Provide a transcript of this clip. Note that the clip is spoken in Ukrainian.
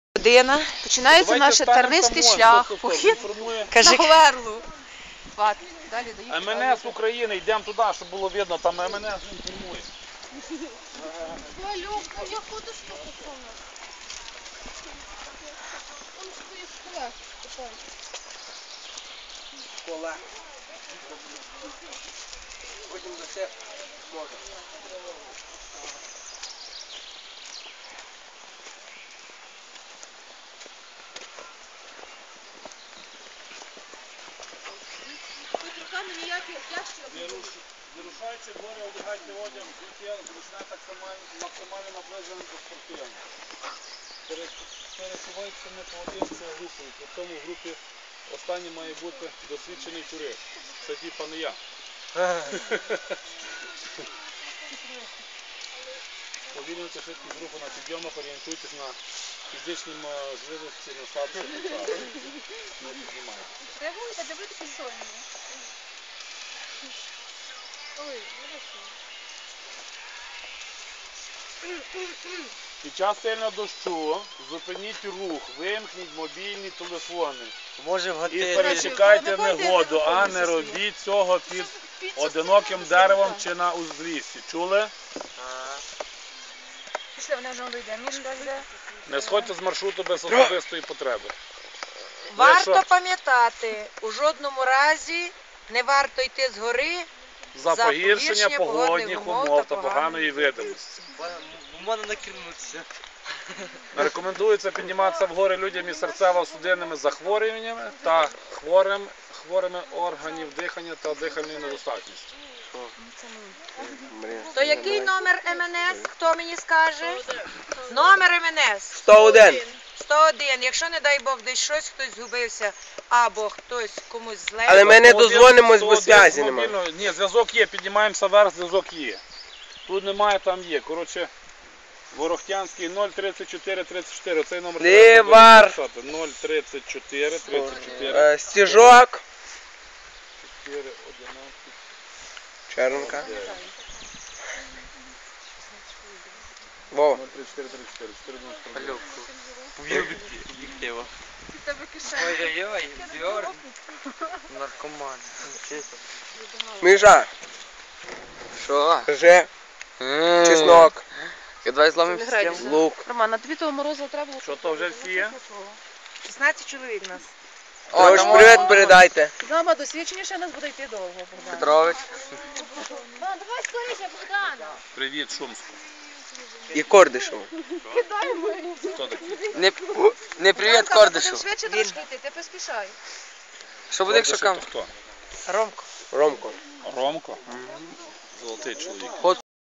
Година. Починається наш тернистий шлях, похід на Говерлу. Далі доїхали. МНС України, йдемо туди, щоб було видно, там МНС інформує. Валюка, я ходу спокійно. Он стоїть школа. Школа. Потім за це можна. Тут руками ніякі ящики. Вирушаючи в гори, одягайте одяг, взуття, зручне так максимально наближене до спортивного. Пересувайтеся не поодинці, а групою. При цьому в групі останній має бути досвідчений турист. Це типа не я. Повільнюйте швидкість руху на підйомах, орієнтуйтесь на фізичні можливості, на слабших місцях. Не піднімайте. Реагуйте, дивитися сольні. Ой, Під час сильного дощу зупиніть рух, вимкніть мобільні телефони. Може в І готелі. перечекайте негоду, а не робіть цього під одиноким деревом чи на узліссі. Чули? пішли, вона вже вийде. Мішка йде. Не сходьте з маршруту без особистої потреби. Варто пам'ятати, у жодному разі не варто йти з гори За погіршення погодних умов та поганої видимості. Можна накинутися. Не рекомендується підніматися в гори людям із серцево-судинними захворюваннями та хворими органів дихання та дихальної недостатності. То який номер МНС? Хто мені скаже? Номер МНС 101. 101. Якщо, не дай Бог, десь щось, хтось згубився або хтось комусь зле. Але ми не дозвонимось, бо зв'язі немає. Ні, зв'язок є, піднімаємося вверх, зв'язок є. Тут немає, там є. Коротше, Ворохтянський 034 34, цей номер. Лівар. 034 34. Стіжок. 4, 11. Чернка. Вова. 034 34, 4 Поб'ю об'єктива. Тебе кишені. Ой-ой-ой, Бьорн. Наркоман. Міша. Що? Кажи. Чеснок. Давай зломимо систему. Лук. Роман, а тобі того морозу треба було? Що то вже всі є? 16 чоловік нас. Тож привіт передайте. Мама, досвідченіше нас буде йти довго, Богдан. Петрович. Давай скоріше, Богдан. Привіт, Шумську. І Кордишев. Хто такий? Не привіт, Кордишу. Швидше трошки йти, ти поспішай. Що буде, якщо Кордишев кам? то хто? Ромко. Ромко. Ромко? Золотий чоловік.